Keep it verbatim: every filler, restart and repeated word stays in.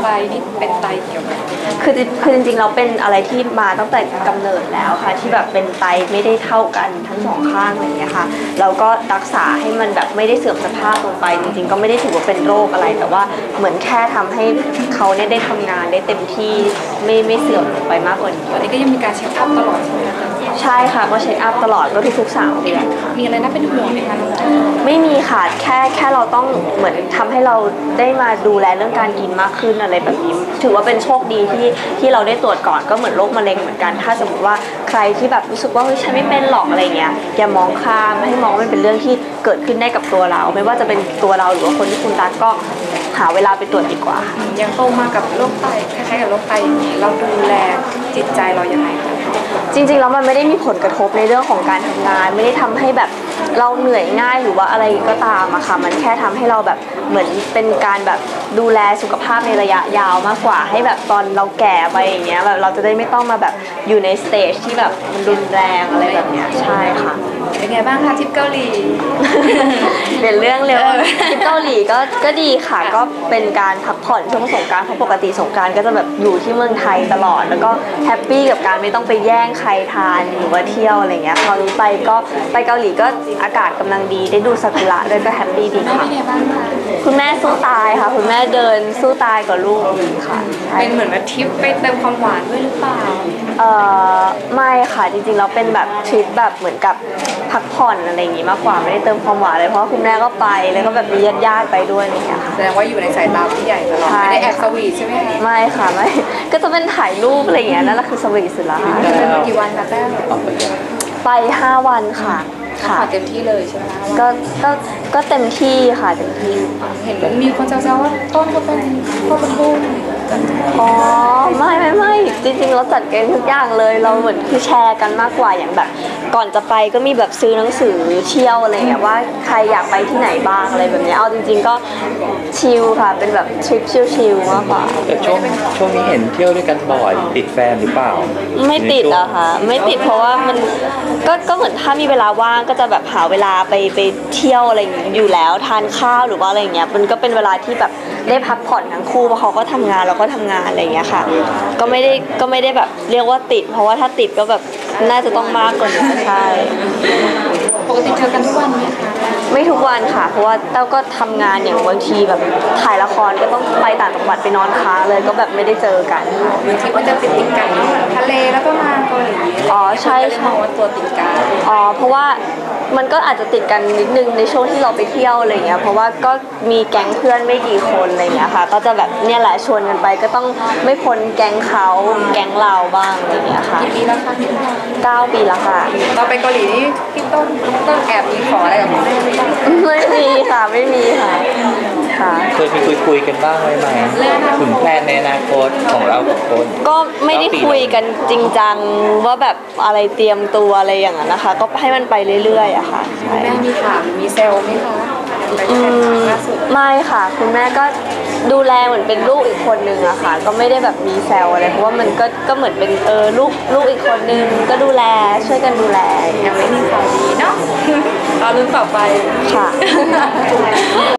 นี่เป็นไตเกี่ยวกับคือคือจริงๆเราเป็นอะไรที่มาตั้งแต่กำเนิดแล้วค่ะที่แบบเป็นไตไม่ได้เท่ากันทั้งสองข้างอะไรอย่างเงี้ยค่ะเราก็รักษาให้มันแบบไม่ได้เสื่อมสภาพลงไปจริงๆก็ไม่ได้ถือว่าเป็นโรคอะไรแต่ว่าเหมือนแค่ทำให้เขาเนี่ยได้ทำงานได้เต็มที่ไม่ไม่เสื่อมลงไปมากกว่านี้ตอนนี้ก็ยังมีการเช็คอัพตลอดใช่ไหมคะใช่ค่ะก็เช็คอัพตลอดก็ทุกๆสามเดือนค่ะมีอะไรน่าเป็นห่วงไหมคะไม่มีค่ะแค่แค่เราต้องเหมือนทำให้เราได้มาดูแลเรื่องการกินมากขึ้นอะไรแบบนี้ถือว่าเป็นโชคดีที่ที่เราได้ตรวจก่อนก็เหมือนโรคมะเร็งเหมือนกันถ้าสมมติว่าใครที่แบบรู้สึกว่าเฮ้ยฉันไม่เป็นหรอกอะไรเงี้ยอย่ามองข้ามให้มองว่ามันเป็นเรื่องที่เกิดขึ้นได้กับตัวเราไม่ว่าจะเป็นตัวเราหรือว่าคนที่คุณรักก็หาเวลาไปตรวจดีกว่ายังโตมากับโรคไตคล้ายๆกับโรคไตเราดูแลจิตใจเรายังไงคะจริงๆแล้วมันไม่ได้มีผลกระทบในเรื่องของการทำงานไม่ได้ทำให้แบบเราเหนื่อยง่ายหรือว่าอะไรก็ตามอะค่ะมันแค่ทำให้เราแบบเหมือนเป็นการแบบดูแลสุขภาพในระยะยาวมากกว่าให้แบบตอนเราแก่ไปอย่างเงี้ยแบบเราจะได้ไม่ต้องมาแบบอยู่ในสเตจที่แบบมันรุนแรงอะไรแบบเนี้ยใช่ค่ะเป็นไงบ้างคะทริปเกาหลีเป็นเรื่องเร็วทริปเกาหลีก็ก็ดีค่ะก็เป็นการพักผ่อนช่วงสงกรานต์เพราะปกติสงกรานต์ก็จะแบบอยู่ที่เมืองไทยตลอดแล้วก็แฮปปี้กับการไม่ต้องไปแย่งใครทานหรือว่าเที่ยวอะไรเงี้ยคราวนี้ไปก็ไปเกาหลีก็อากาศกำลังดีได้ดูซากุระด้วยก็แฮปปี้ดีค่ะคุณแม่สู้ตายค่ะคุณแม่เดินสู้ตายกับลูกดีค่ะเป็นเหมือนแบบทริปไปเติมความหวานด้วยหรือเปล่าเอ่อไม่ค่ะจริงๆเราเป็นแบบทริปแบบเหมือนกับพักผ่อนอะไรอย่างงี้มากกว่าไม่ได้เติมความหวานเลยเพราะคุณแม่ก็ไปแล้วก็แบบมีญาติๆไปด้วยนี่ค่ะแสดงว่าอยู่ในสายตาผู้ใหญ่ตลอดไม่ได้แอบสวีทใช่ไหมไม่ค่ะไม่ก็จะเป็นถ่ายรูปอะไรอย่างเงี้ยนั่นแหละคือสวีทสุดละค่ะเป็นกี่วันคะแต้วไปห้าวันค่ะค่ะเต็มที่เลยใช่ไหมก็ก็ก็เต็มที่ค่ะเต็มที่เห็นมีคนแซวๆว่าต้นก็เป็นพ่อเป็นลูกอ๋อไม่ไม่ไม่จริงๆเราจัดเกมทุกอย่างเลยเราเหมือนคือแชร์กันมากกว่าอย่างแบบก่อนจะไปก็มีแบบซื้อหนังสือเที่ยวอะไรเงี้ยว่าใครอยากไปที่ไหนบ้างอะไรแบบนี้เอาจริงๆก็ชิลค่ะเป็นแบบทริปชิลๆมากกว่าช่วงช่วงนี้เห็นเที่ยวด้วยกันบ่อยติดแฟนหรือเปล่าไม่ติดอะค่ะไม่ติดเพราะว่ามันก็ก็เหมือนถ้ามีเวลาว่างก็จะแบบหาเวลาไปไปเที่ยวอะไรอย่างนี้อยู่แล้วทานข้าวหรือว่าอะไรอย่างเงี้ยมันก็เป็นเวลาที่แบบได้พักผ่อนทั้งคู่เพราะเขาก็ทำงานเราก็ทำงานอะไรอย่างเงี้ยค่ะก็ไม่ได้ก็ไม่ได้แบบเรียกว่าติดเพราะว่าถ้าติดก็แบบน่าจะต้องมากกว่านี้ใช่ปกติเจอกันทุกวันไหมคะไม่ทุกวันค่ะเพราะว่าเต้าก็ทำงานอย่างบางทีแบบถ่ายละครก็ต้องไปต่างจังหวัดไปนอนค้างเลยก็แบบไม่ได้เจอกันบางทีก็จะติดติดกันทะเลแล้วก็มาเกาหลีอ๋อใช่ใช่ว่าตัวติดกันอ๋อเพราะว่ามันก็อาจจะติดกันนิดนึงในช่วงที่เราไปเที่ยวอะไรเงี้ยเพราะว่าก็มีแก๊งเพื่อนไม่กี่คนอะไรเงี้ยค่ะก็จะแบบเนี่ยแหละชวนกันไปก็ต้องไม่พ้นแก๊งเขาแก๊งเราบ้างอะไรเงี้ยค่ะกี่ปีแล้วคะเก้าปีแล้วค่ะตอนไปเกาหลีนี่พี่ต้นต้นแอบมีขออะไรกับคุณแม่ไหมไม่มีค่ะไม่มีค่ะค่ะเคยไปคุยคุยกันบ้างไหมไหมถึงแพลนในอนาคตของเรากับคนก็ไม่ได้คุยกันจริงจังว่าแบบอะไรเตรียมตัวอะไรอย่างนั้นนะคะก็ให้มันไปเรื่อยๆอะค่ะแม่มีถามมีเซลไหมคะไม่ค่ะคุณแม่ก็ดูแลเหมือนเป็นลูกอีกคนนึงอะค่ะก็ไม่ได้แบบมีแซวอะไรเพราะว่ามันก็ก็เหมือนเป็นเออลูกลูกอีกคนนึงก็ดูแลช่วยกันดูแลยังไม่มีข่าวดีเนาะรอลุ้นต่อไปค่ะ